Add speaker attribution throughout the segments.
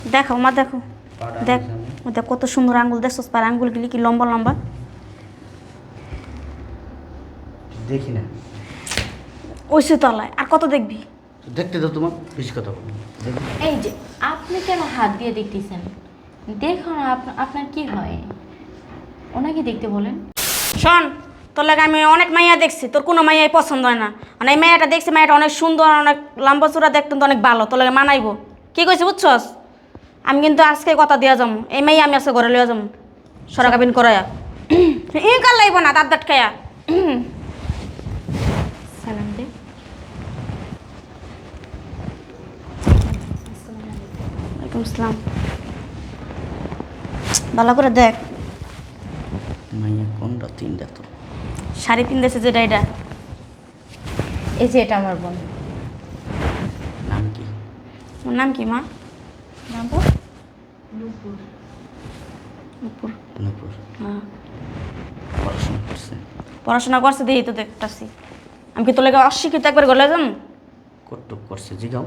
Speaker 1: দেখো মা দেখো, দেখ দেখ কত সুন্দর আঙ্গুল, দেখছস পার আঙ্গুলগুলি কি লম্বা লম্বা।
Speaker 2: দেখি না,
Speaker 1: ওইসে তলায় আর কত দেখবি।
Speaker 2: দেখতে দাও, তোমার বেশি কথা বলো।
Speaker 3: এই যে আপনি কেন হাত দিয়ে দেখতেছেন? দেখুন আপনার কি হয়, ওনাকে দেখতে বলেন।
Speaker 1: শোন, তোর লাগে আমি অনেক মাইয়া দেখছি, তোর কোনো মাইয়াই পছন্দ হয় না। মানে এই মাইয়াটা দেখছি, মাইয়াটা অনেক সুন্দর, অনেক লম্বা চূড়া, দেখতে তো অনেক ভালো, তোর লাগে মানাইবো। কি কইছি বুঝছস? আমি কিন্তু আজকে কথা দিয়া যাবো, এই মাইয়া আমি আজকে ঘরে লইয়া যাবো সরাকাবিন করাইয়া। ই কাল লাগবো না দাঁত দাঁত খাইয়া।
Speaker 3: সালাম দে।
Speaker 1: ওয়ালাইকুম আসসালাম। ভালো করে দেখ,
Speaker 2: মাইয়া কোনটা? তিনটা তো।
Speaker 1: শাড়ি পিনতেছে যেটা এটা।
Speaker 3: এই যে এটা আমার বোন।
Speaker 2: নাম কি?
Speaker 1: ওর নাম কি মা?
Speaker 3: নাম
Speaker 1: নুপুর।
Speaker 2: নূপুর।
Speaker 1: হ্যাঁ,
Speaker 2: পড়াশোনা করছে?
Speaker 1: পড়াশোনা করছে দিয়েই তো দেখতেছি। আমি কি তোর লাগে অশিক্ষিত একবার গলে যাম?
Speaker 2: কটুক করছে, জিগাও।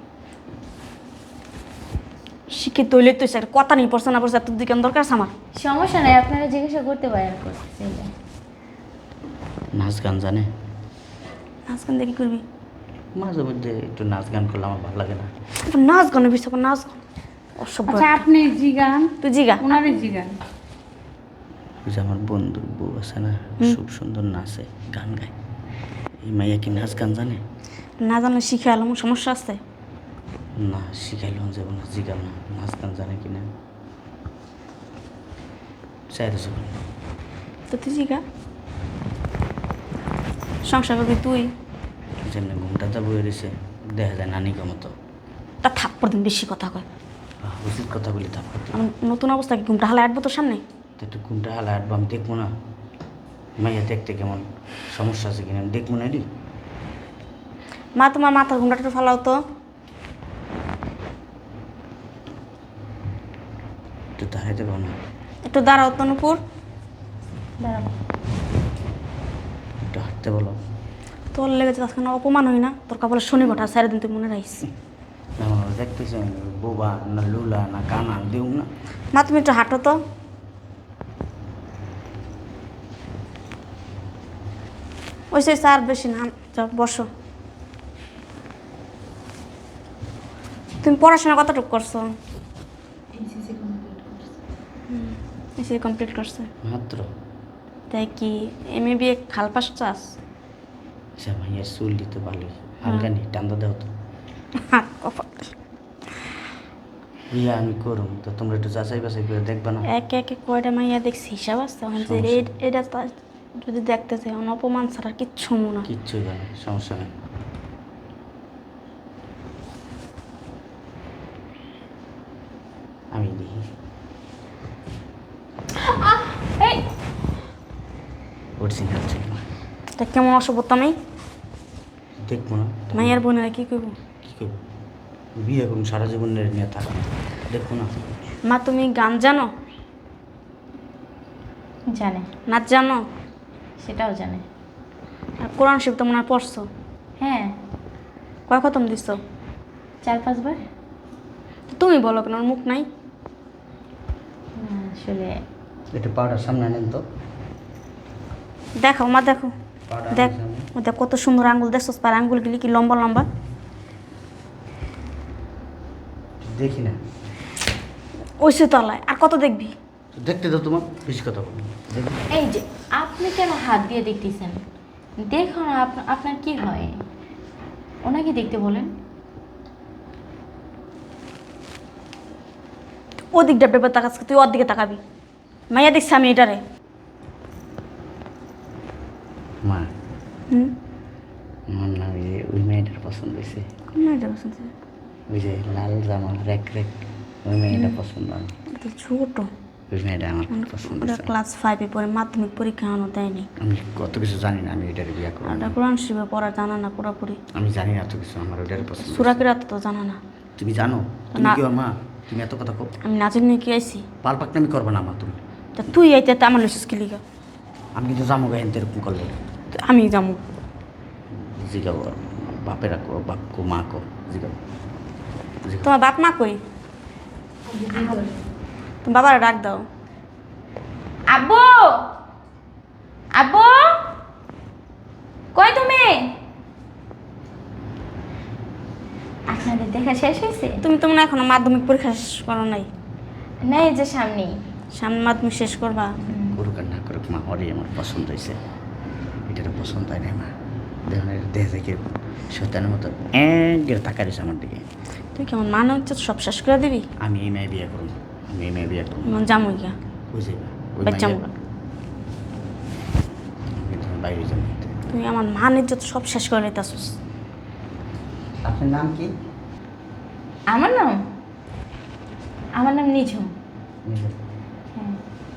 Speaker 1: শিক্ষিত হইলে তুই একটা কথা নেই, পড়ছে না পড়ছে তোর দিকে দরকার আছে আমার।
Speaker 3: সমস্যা নাই, আপনারা জিজ্ঞাসা করতে পারেন। করতেছে
Speaker 2: নাচ গান জানে?
Speaker 1: নাচ গান দেখি করবি?
Speaker 2: মাঝে মধ্যে একটু নাচ গান করলে আমার ভালো লাগে না।
Speaker 1: আবার নাচ গানের বিষয়, নাচ গান অসভ্য
Speaker 4: আচ্ছা,
Speaker 1: একটা।
Speaker 4: আপনি জিগান,
Speaker 1: তুই জিগা।
Speaker 4: ওনারে জিগান।
Speaker 2: ওই যে আমার বন্ধুর বউ আছে না, খুব সুন্দর নাচে, গান গায়। এই মাইয়া কি নাচ গান জানে?
Speaker 1: না জানলে শিখে এলাম, সমস্যা আছে।
Speaker 2: না, শিখাইলাম যাবো না, জিগাও না নাচ গান জানে কিনা। চাইতেছো?
Speaker 1: তো তুই জিগা। সংসার করবি তুই।
Speaker 2: যেমনি ঘুমটাতে বয়ে রয়েছে, দেখা যায় নানিকে মতো।
Speaker 1: তা থাপ্পড় দিন, বেশি কথা কয়।
Speaker 2: উচিত কথা বলি তারপর।
Speaker 1: আমি নতুন অবস্থা কি ঘুমটা হালে আটবো তোর সামনে?
Speaker 2: তো একটু ঘুমটা হালা আটবো, আমি দেখবো না মাইয়া দেখতে কেমন, সমস্যা আছে কিনা আমি দেখবো না রে।
Speaker 1: মা তোমার মাথার ঘুমটা একটু ফালাও তো।
Speaker 2: একটু দাঁড়াইতে পারো না?
Speaker 1: একটু দাঁড়াও তো নুপুর।
Speaker 3: দাঁড়াবো।
Speaker 2: একটু হাঁটতে বলো।
Speaker 1: তোর লেগেছে আজকে না অপমান হই না, তোর কপালে শনি ঘটা সারা দিন তুই মনে রাখিস।
Speaker 2: না দেখতেছি বোবা না লুলা না কানা দেউ না।
Speaker 1: মা তুমি একটু হাঁটো তো। ওই সে আর বেশি না, যাও বসো। তুমি পড়াশোনা কতটুকু করছো? এসে কমপ্লিট করছে।
Speaker 2: মাত্র?
Speaker 1: তাই কি এমএ বিএ খাল পাস চাস?
Speaker 2: আচ্ছা মাইয়ার চুল দিতে ভালোই, হালকা নি টান্দা দেও তো।
Speaker 1: হাত কপাল।
Speaker 2: বিয়া আমি করুম তো তোমরা একটু যাচাই বাছাই করে দেখবা না?
Speaker 1: একে একে কয়টা মাইয়া দেখছি, হিসাব আছে এখন যে এটা যদি দেখতে চাই অপমান ছাড়া কিচ্ছু মনে হয়।
Speaker 2: কিচ্ছুই জানে, সমস্যা নেই। আমি দেখি
Speaker 3: এই
Speaker 2: অরিজিনাল ছিল না,
Speaker 1: তা কেমন অসভ্যতা আমি
Speaker 2: দেখবো না।
Speaker 1: মাইয়ার বোনেরা কি করবো?
Speaker 2: কি করবো? বিয়ে করুন, সারা জীবন নিয়ে থাকবো, দেখবো না।
Speaker 1: মা তুমি গান জানো?
Speaker 3: জানে,
Speaker 1: নাচ জানো?
Speaker 3: সেটাও জানে।
Speaker 1: আর কোরআন শরীফ তো মনে হয় পড়ছো?
Speaker 3: হ্যাঁ,
Speaker 1: কয় খতম দিছো?
Speaker 3: 4-5 বার।
Speaker 1: তো তুমি বলো কেন, আমার মুখ নাই?
Speaker 3: না, আসলে
Speaker 2: একটু পাউডার সামনে আনেন তো।
Speaker 1: দেখো মা দেখো,
Speaker 2: পাউডার
Speaker 1: দেখ
Speaker 2: সামনে।
Speaker 1: দেখ কত সুন্দর আঙ্গুল, দেখছস পার আঙ্গুলগুলি কি লম্বা লম্বা।
Speaker 2: দেখি না,
Speaker 1: ওইসে তলায় আর কত দেখবি।
Speaker 2: দেখতে দাও, তোমার বেশি কথা বলো। দেখি।
Speaker 3: এই যে আপনি কেন হাত দিয়ে দেখতেছেন? দেখুন আপনার কি হয়, ওনাকে দেখতে বলেন।
Speaker 1: ও দিকটা পেপার তাকাস, তুই ওর দিকে তাকাবি। মাইয়া দেখছি আমি এটারে।
Speaker 2: মা,
Speaker 1: হুম,
Speaker 2: আমার না ওই মেয়েটার পছন্দ হয়েছে।
Speaker 1: কোন মেয়েটা পছন্দ?
Speaker 2: ওই যে লাল জামা রেক রেক, ওই মেয়েটা পছন্দ আমার।
Speaker 1: এটা তো ছোট।
Speaker 2: ওই মেয়েটা আমার পছন্দ
Speaker 1: ওটা
Speaker 2: হয়েছে।
Speaker 1: ক্লাস 5-এ পড়ে, মাধ্যমিক পরীক্ষা এখনো দেয়নি।
Speaker 2: আমি কত কিছু জানি না, আমি ওইটার বিয়ে করবো
Speaker 1: আর
Speaker 2: না।
Speaker 1: ওটা কোরআন শরীফে পড়া জানা না পুরোপুরি।
Speaker 2: আমি জানি না এত কিছু, আমার ওইটার পছন্দ হয়েছে।
Speaker 1: সুরাকিরাত তো জানা না।
Speaker 2: তুমি জানো? তুমি
Speaker 1: না।
Speaker 2: কি ওর মা? তুমি এত কথা কো?
Speaker 1: আমি নাচের নিয়ে কি আইছি?
Speaker 2: পাল পাকনামি করবে না মা তুমি।
Speaker 1: তা তুই আইতে তো আমার লইছিস কি লিগা?
Speaker 2: আমি কিন্তু জামো গাইন এরকম করলে।
Speaker 1: আমি যাবো।
Speaker 2: জিগাবো বাপেরা কো, বাপ কো, মা কো, জিগাবো।
Speaker 1: তোমার বাপ মা কই? তুমি বাবারে ডাক দাও।
Speaker 3: আব্বু, আব্বু, কই তুমি? আপনাদের দেখা শেষ হয়েছে?
Speaker 1: তুমি তো মনে হয় এখনো মাধ্যমিক পরীক্ষা শেষ করো নাই।
Speaker 3: না, এই যে সামনেই।
Speaker 1: সামনে মাধ্যমিক শেষ করবা।
Speaker 2: করুক আর না করুক মা, ওরই আমার পছন্দ হয়েছে। এটারও পছন্দ হয় না মা। দেখুন দেহ থেকে সত্যানের মতো একবার তাকাই রয়েছে আমার দিকে।
Speaker 1: তুই কেমন মানে হচ্ছে সব শেষ করে দিবি?
Speaker 2: আমি এই মেয়ে বিয়ে করুন, আমি এই মেয়ে বিয়ে করুন।
Speaker 1: জামুই গা
Speaker 2: বুঝে ওই
Speaker 1: বাচ্চা
Speaker 2: মাইয়া-
Speaker 1: মুখা।
Speaker 2: তুমি বাইরে যাবো।
Speaker 1: তুই আমার মানের যত সব শেষ করে নিতেছিস।
Speaker 2: আপনার নাম কি?
Speaker 3: আমার নাম নিঝুম। হ্যাঁ।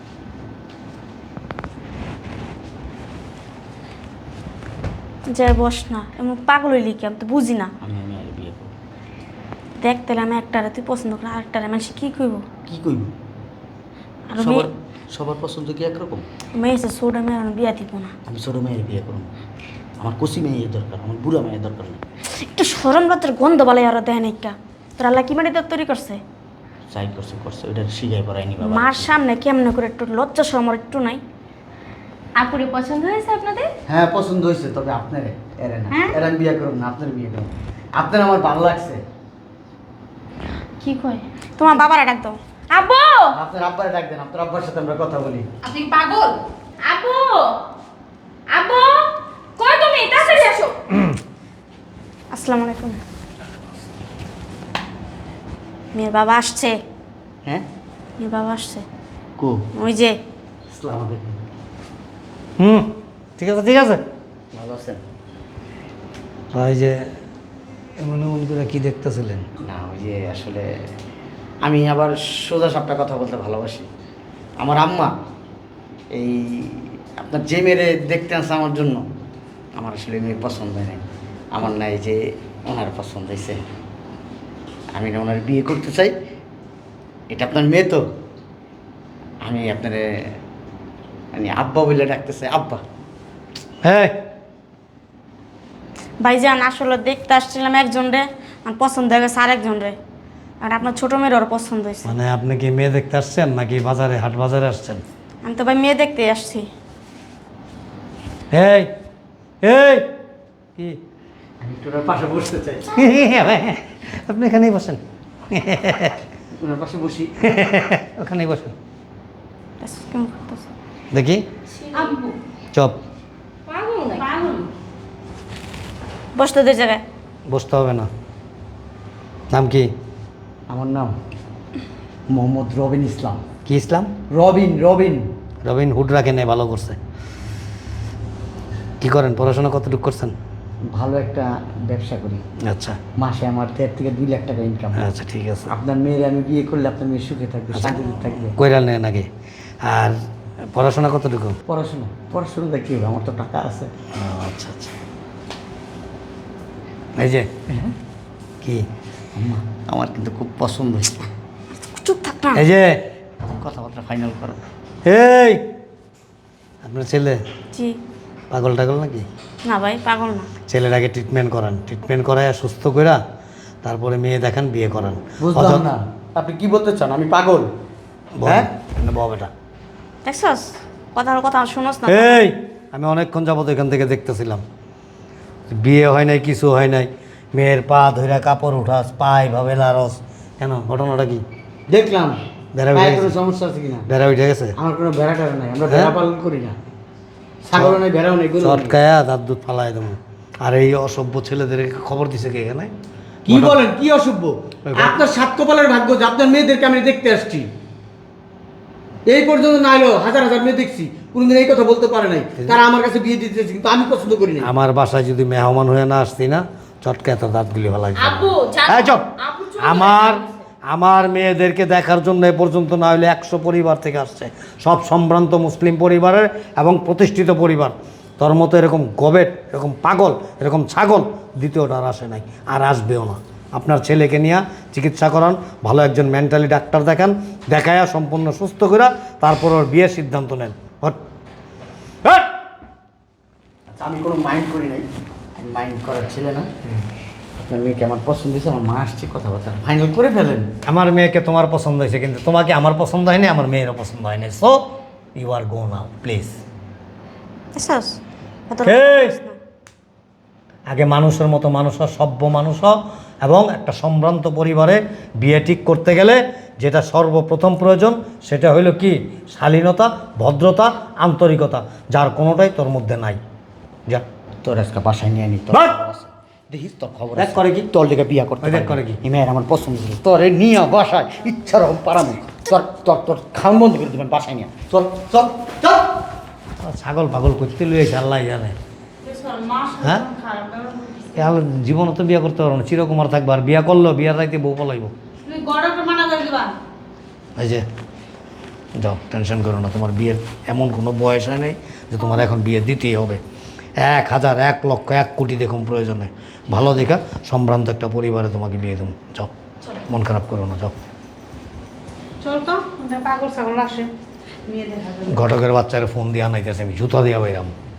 Speaker 1: যে বস না, এমন পাগল হইলি কি? আমি তো বুঝি না।
Speaker 2: আমি এই মেয়ের বিয়ে করবো।
Speaker 1: দেখ তাহলে আমি একটারে তুই পছন্দ করি, আরেকটারে মানুষ কি কইব?
Speaker 2: কি করবো?
Speaker 1: আর
Speaker 2: সবার সবার পছন্দ কি একরকম?
Speaker 1: মেয়ে এসে ছোট মেয়ের আমি বিয়া দিব না।
Speaker 2: আমি ছোটো মেয়ের বিয়ে করবো। আমার কচি মেয়ের দরকার, আমার বুড়া মেয়ের দরকার নেই।
Speaker 1: একটু সরম রাতের গন্ধ বলে আর দেয় নাইকা। তোর আল্লাহ কি মাটি তৈরি করছে?
Speaker 2: চাই করছে করছে, ওইটা শিখাই পড়ায়নি বাবা।
Speaker 1: মার সামনে কেমনে করে একটু লজ্জা শরম আর একটু নাই?
Speaker 3: আপুরে পছন্দ হয়েছে আপনাদের?
Speaker 2: হ্যাঁ পছন্দ হয়েছে, তবে আপনার এর না,
Speaker 3: হ্যাঁ?
Speaker 2: এর আমি বিয়ে করুন না, আপনার বিয়ে করুন। আপনার আমার ভালো লাগছে।
Speaker 3: কি কয়?
Speaker 1: তোমার বাবারা ডাক দাও।
Speaker 3: আব্বু,
Speaker 2: আপনার আব্বারে ডাক দেন, আপনার আব্বার সাথে আমরা কথা বলি।
Speaker 3: আপনি কি পাগল? আব্বু, আব্বু, কই তুমি? তাড়াতাড়ি আসো।
Speaker 1: আসসালামু আলাইকুম। মেয়ের বাবা আসছে।
Speaker 2: হ্যাঁ
Speaker 1: মেয়ের বাবা আসছে।
Speaker 2: কো
Speaker 1: ওই যে
Speaker 2: আসসালামু আলাইকুম।
Speaker 4: ঠিক আছে ঠিক আছে।
Speaker 2: ভালো আছেন?
Speaker 4: ভাই যে এমন এমন করে কি দেখতেছিলেন?
Speaker 2: না ওই যে আসলে আমি আবার সোজা সাপটা কথা বলতে ভালোবাসি। আমার আম্মা এই আপনার যে মেয়েরে দেখতে আসছে আমার জন্য, আমার আসলে মেয়ে পছন্দ হয় নাই। আমার নাই যে ওনার পছন্দ হয়েছে, আমি না ওনার বিয়ে করতে চাই। এটা আপনার মেয়ে তো, আমি আপনার মানে আব্বা বলে ডাকতে চাই, আব্বা।
Speaker 4: হ্যাঁ
Speaker 1: ভাইজান আসলে দেখতে আসছিলাম একজন রে, আর পছন্দ হয়ে গেছে আরেকজন রে। আর আপনার ছোট মেয়ের ওর পছন্দ হয়েছে।
Speaker 4: মানে আপনি কি মেয়ে দেখতে আসছেন নাকি বাজারে হাট বাজারে আসছেন?
Speaker 1: আমি তো ভাই মেয়ে দেখতে আসছি।
Speaker 4: এই এই কি
Speaker 2: আমি একটু ওনার পাশে বসতে চাই।
Speaker 4: আপনি এখানেই বসেন,
Speaker 2: ওনার পাশে বসি।
Speaker 4: ওখানেই বসেন।
Speaker 1: কেমন করতেছে?
Speaker 4: দেখি
Speaker 3: আব্বু,
Speaker 4: চপ।
Speaker 3: পাগল নাকি? পাগল।
Speaker 1: বসতে দুই জায়গায়।
Speaker 4: বসতে হবে না। নাম কি?
Speaker 2: আমার নাম মোহাম্মদ রবিন ইসলাম।
Speaker 4: কি ইসলাম?
Speaker 2: রবিন রবিন
Speaker 4: রবিন হুড রাখে নেই, ভালো করছে। কি করেন, পড়াশোনা কতটুকু করছেন?
Speaker 2: ভালো একটা ব্যবসা করি,
Speaker 4: আচ্ছা
Speaker 2: মাসে আমার 1.5 থেকে 2 লাখ টাকা ইনকাম।
Speaker 4: আচ্ছা ঠিক আছে।
Speaker 2: আপনার মেয়ের আমি বিয়ে করলে আপনার মেয়ে সুখে থাকবে, শান্তিতে থাকবে।
Speaker 4: কইরা নেন আগে। আর পড়াশোনা কতটুকু?
Speaker 2: পড়াশোনা পড়াশোনাটা কী হবে, আমার তো টাকা আছে।
Speaker 4: আচ্ছা আচ্ছা। এই যে কি
Speaker 2: আম্মা আমার কিন্তু খুব পছন্দ হয়েছে।
Speaker 1: চুপ থাক না।
Speaker 4: এই যে
Speaker 2: কথাবার্তা ফাইনাল করো।
Speaker 4: এই আপনার ছেলে
Speaker 1: জি
Speaker 4: পাগল টাগল নাকি?
Speaker 1: না ভাই পাগল না।
Speaker 4: ছেলের আগে ট্রিটমেন্ট করান, ট্রিটমেন্ট করায় সুস্থ কইরা তারপরে মেয়ে দেখান, বিয়ে করান।
Speaker 2: বুঝলাম না আপনি কি বলতে চান, আমি পাগল? হ্যাঁ
Speaker 4: বাবা বেটা।
Speaker 1: দেখছস কথা শুনোস না?
Speaker 4: এই আমি অনেকক্ষণ যাবত এখান থেকে দেখতেছিলাম, বিয়ে হয় নাই, কিছু হয় নাই, মেয়ের পা ধইরা কাপড় উঠাস, পায়ে ভাবে লারস। কেন, ঘটনাটা কি?
Speaker 2: দেখলাম
Speaker 4: বেড়া
Speaker 2: পায়ে
Speaker 4: উঠে
Speaker 2: কোনো
Speaker 4: গেছে?
Speaker 2: সমস্যা আছে কিনা।
Speaker 4: বেড়া উঠে গেছে?
Speaker 2: আমার কোনো ভেড়া টেড়া নাই, আমরা
Speaker 4: হ্যাঁ?
Speaker 2: ভেড়া পালন করি না। ছাগলও নাই, ভেড়াও নাই, গরুও নাই।
Speaker 4: চটকায়া দাঁত দুধ ফালাই দেবো। আর এই অসভ্য ছেলেদেরকে খবর দিছে কে এখানে?
Speaker 2: কি বলেন, কি অসভ্য? আপনার সাত কপালের ভাগ্য যে আপনার মেয়েদেরকে আমি দেখতে আসছি। এই পর্যন্ত না এলো হাজার হাজার মেয়ে দেখছি, কোনোদিন এই কথা বলতে পারে নাই। তারা আমার কাছে বিয়ে দিতে চাইছে, কিন্তু আমি পছন্দ করি না।
Speaker 4: আমার বাসায় যদি মেহমান হয়ে না আসতি না, চটকায় তো দাঁতগুলি ফালাই দিতাম।
Speaker 3: আব্বু, জানো-
Speaker 4: এই চুপ!
Speaker 3: আব্বু চলে
Speaker 4: আমার
Speaker 3: গেছে।
Speaker 4: আমার মেয়েদেরকে দেখার জন্য এ পর্যন্ত না হলে 100 পরিবার থেকে আসছে, সব সম্ভ্রান্ত মুসলিম পরিবারের এবং প্রতিষ্ঠিত পরিবার। তোর মতো এরকম গবেট, এরকম পাগল, এরকম ছাগল দ্বিতীয়টা আর আসে নাই, আর আসবেও না। আপনার ছেলেকে নিয়ে চিকিৎসা করান, ভালো একজন মেন্টালি ডাক্তার দেখান, দেখায়া সম্পূর্ণ সুস্থ করে তারপর ওর বিয়ের সিদ্ধান্ত নেন। Hot hot!
Speaker 2: আচ্ছা আমি কোনো মাইন্ড করি নাই, আমি মাইন্ড করার ছেলে না। আপনার মেয়েকে আমার পছন্দ হয়েছে, আমার মা আসছে, কথাবার্তা ফাইনাল করে ফেলেন।
Speaker 4: আমার মেয়েকে তোমার পছন্দ হয়েছে, কিন্তু তোমাকে আমার পছন্দ হয়নি, আমার মেয়েরও পছন্দ হয়নি। So you are go now please.
Speaker 1: বুঝছস? এত
Speaker 4: এই! আগে মানুষের মতো মানুষ হ, সভ্য মানুষ হ, এবং একটা সম্ভ্রান্ত পরিবারে বিয়ে ঠিক করতে গেলে যেটা সর্বপ্রথম প্রয়োজন সেটা হইলো কি? শালীনতা, ভদ্রতা, আন্তরিকতা, যার কোনোটাই তোর মধ্যে নাই। যা
Speaker 2: তোর আজকে বাসায় নিয়ে নি, তোর
Speaker 4: বাট!
Speaker 2: খবর আছে। দেখিস তোর খবর
Speaker 4: দেখ
Speaker 2: আছে।
Speaker 4: করে কি?
Speaker 2: তোর লেগে বিয়া করতে
Speaker 4: ওই দেখ
Speaker 2: পারবি।
Speaker 4: করে কি?
Speaker 2: এই মেয়ের আমার পছন্দ ছিল, তোর নিয়ে বাসায় ইচ্ছা রকম পারামু। তোর তোর তোর খাওয়ান বন্ধ করে দেবেন বাসায় নিয়ে। চল চল চল।
Speaker 4: ছাগল পাগল করতে লুয়েছে আল্লাহ জানে। হ্যাঁ, জীবনে তো বিয়ে করতে পারবো না, চিরকুমার থাকবো। আর বিয়ে করলেও বিয়ার রাইতে বউ পলাইব। এই যে যাও, টেনশন করো না, তোমার বিয়ের এমন কোনো বয়স হয় নাই যে তোমার এখন বিয়ে দিতেই হবে। 1000, 1 লক্ষ, 1 কোটি দেখুন প্রয়োজনে ভালো দেখা সম্ভ্রান্ত একটা পরিবারে তোমাকে বিয়ে দেবো। যাও, মন খারাপ করো না, যাও।
Speaker 5: চল তো, পাগল ছাগল আসে, মেয়ে দেখা যাবে।
Speaker 4: ঘটকের বাচ্চারা ফোন দিয়ে আনাইতেছে, আমি জুতা দিয়া বাইরাম।